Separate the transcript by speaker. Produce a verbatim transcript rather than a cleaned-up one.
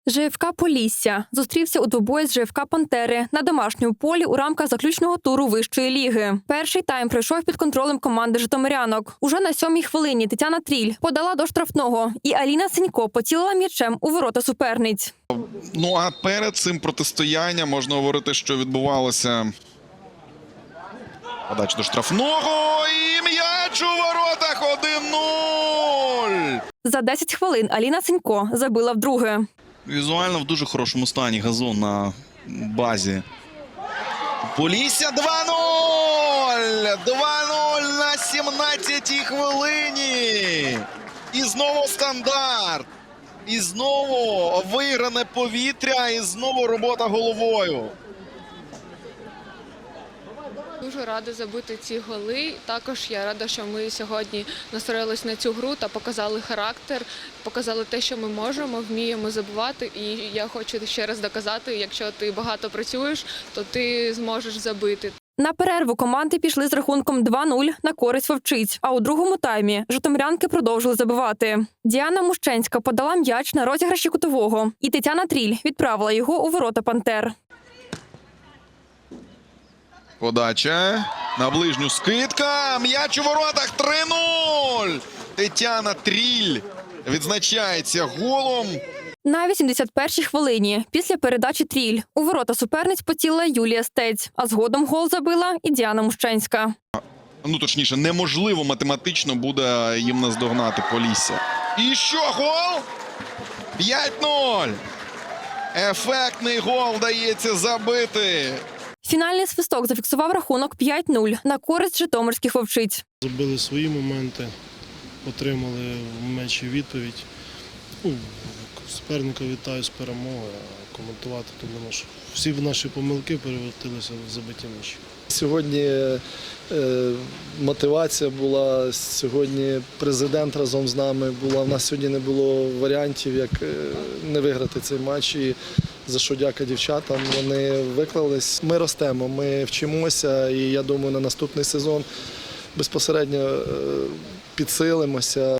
Speaker 1: ЖФК «Полісся» зустрівся у двобої з ЖФК «Пантери» на домашньому полі у рамках заключного туру вищої ліги. Перший тайм пройшов під контролем команди житомирянок. Уже на сьомій хвилині Тетяна Тріль подала до штрафного, і Аліна Сенько поцілила м'ячем у ворота суперниць.
Speaker 2: Ну а перед цим протистоянням можна говорити, що відбувалося. Подача до штрафного і м'яч у воротах один нуль.
Speaker 1: За десять хвилин Аліна Сенько забила вдруге.
Speaker 2: Візуально в дуже хорошому стані газон на базі. Полісся два нуль! два нуль на сімнадцятій хвилині. І знову стандарт. І знову вигране повітря, і знову робота головою.
Speaker 3: Дуже рада забити ці голи. Також я рада, що ми сьогодні настроїлись на цю гру та показали характер, показали те, що ми можемо, вміємо забивати. І я хочу ще раз доказати, якщо ти багато працюєш, то ти зможеш забити.
Speaker 1: На перерву команди пішли з рахунком два нуль на користь вовчиць, а у другому таймі житомирянки продовжили забивати. Діана Мущенська подала м'яч на розіграші кутового, і Тетяна Тріль відправила його у ворота «Пантер».
Speaker 2: Подача. На ближню скидка. М'яч у воротах три нуль. Тетяна Тріль відзначається голом.
Speaker 1: На вісімдесят першій хвилині після передачі Тріль у ворота суперниць поцілила Юлія Стець, а згодом гол забила і Діана Мущенська.
Speaker 2: Ну, точніше, неможливо математично буде їм наздогнати Полісся. І що, гол? п'ять нуль. Ефектний гол вдається забити.
Speaker 1: Фінальний свисток зафіксував рахунок п'ять нуль на користь житомирських вовчиць.
Speaker 4: Забили свої моменти, отримали в м'ячі відповідь. Ну, суперника вітаю з перемогою, а коментувати, тому що всі наші помилки перевертилися в забиті м'ячі.
Speaker 5: Сьогодні е, мотивація була, сьогодні президент разом з нами була. У нас сьогодні не було варіантів, як е, не виграти цей матч. І за що дяка дівчатам, вони виклались. Ми ростемо, ми вчимося, і я думаю, на наступний сезон безпосередньо е, підсилимося.